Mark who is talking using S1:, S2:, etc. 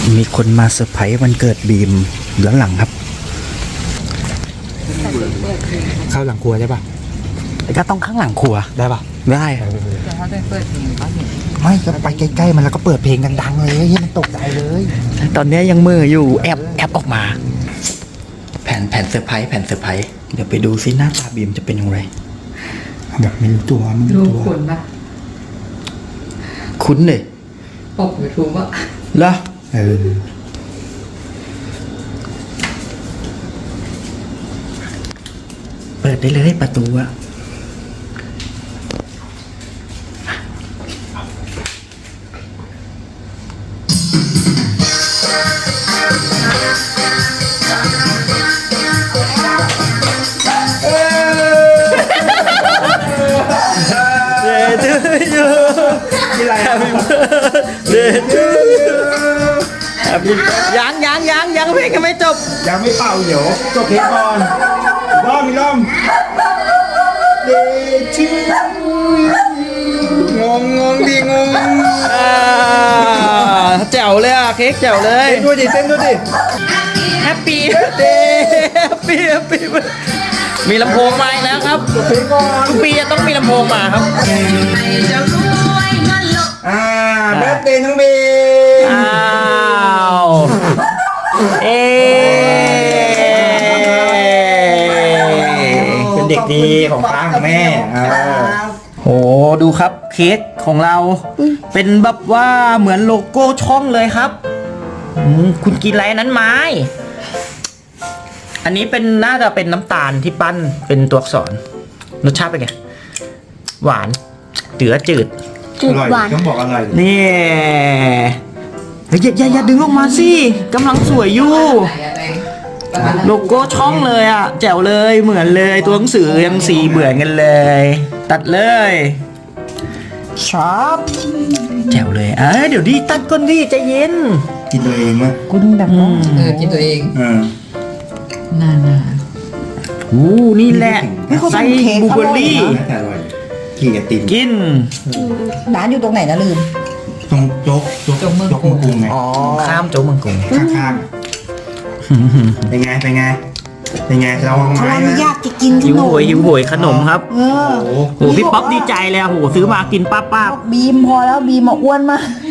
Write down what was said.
S1: มีคนมาเซอร์ไพรส์วันเกิดบีมด้านหลังครับเข้าหลังครัวได้ปะก็ต้องข้างหลังครัวได้ปะได้
S2: แต่ถ้าได้เปิดเพลงก็เห็น
S1: ไม่ก็ไปใกล้ๆมันแล้วก็เปิดเพลงดังๆเลยให้มันตกใจเลยตอนนี้ยังมืออยู่แอบออกมาแผ่นเซอร์ไพรส์เดี๋ยวไปดูซิหน้าตาบีมจะเป็นยังไงแบบไม่รู้ตัว
S2: รู้คุณปะ
S1: คุ้นเลย
S2: ปกยูทูบอะ
S1: เหรอเปิดได้เลยประตูอะยังเพลงยังไม่จบ
S3: ยังไม่เป่าเดี๋ยวจบเพลงก่อนล้อมเดชิงงดี
S1: แจ๋วเลยอ่ะเค้กแจ๋วเลย
S3: เต้นด้วยดิ
S1: แฮปปี้เดย์แฮปปี้มีลำโพงมาอีกแล้วครับทุกปีจะต้องมีลำโพงมาครับ
S3: เบิร์ธเดย์น้องเบย์เป็นเด็กดีของป้าของแม่
S1: โอ้ดูครับเค้กของเราเป็นแบบว่าเหมือนโลโก้ช่องเลยครับคุณกินอะไรนั้นไหมอันนี้เป็นน่าจะเป็นน้ำตาลที่ปั้นเป็นตัวอักษรรสชาติเป็นไงหวานจืด
S3: หวานต้องบอกอร่อย
S1: นี่อย่าดึงลงมาสิกำลังสวยอยู่โลโก้ช่องเลยอ่ะแจ๋วเลยเหมือนเลยตัวหนังสือยังสีเหมือนกันเลยตัดเลยชอบแจ๋วเลยเดี๋ยวดิตัดก้นดิใจเย็น
S3: กินตัวเองมั้ย
S1: กุ้งดัง
S2: กินตัวเองน่า
S1: นี่แหละใส่บลูเบอร์รี่
S3: กินกับติ่ม
S1: กิน
S4: ร้านอยู่ตรงไหนนะลืม
S3: ตรงโจ๊กเมืองกรุงไง
S1: ข้ามโจ๊กเมืองกรุง
S3: ข้างเป็นไงเรา
S4: เขาอนุญาตจะกินขนม
S1: หิวโหยขนมครับโอ้พี่ป๊อปดีใจเลยโหซื้อมากินป้า
S4: บีมพอแล้วบีมมาอ้วนมาก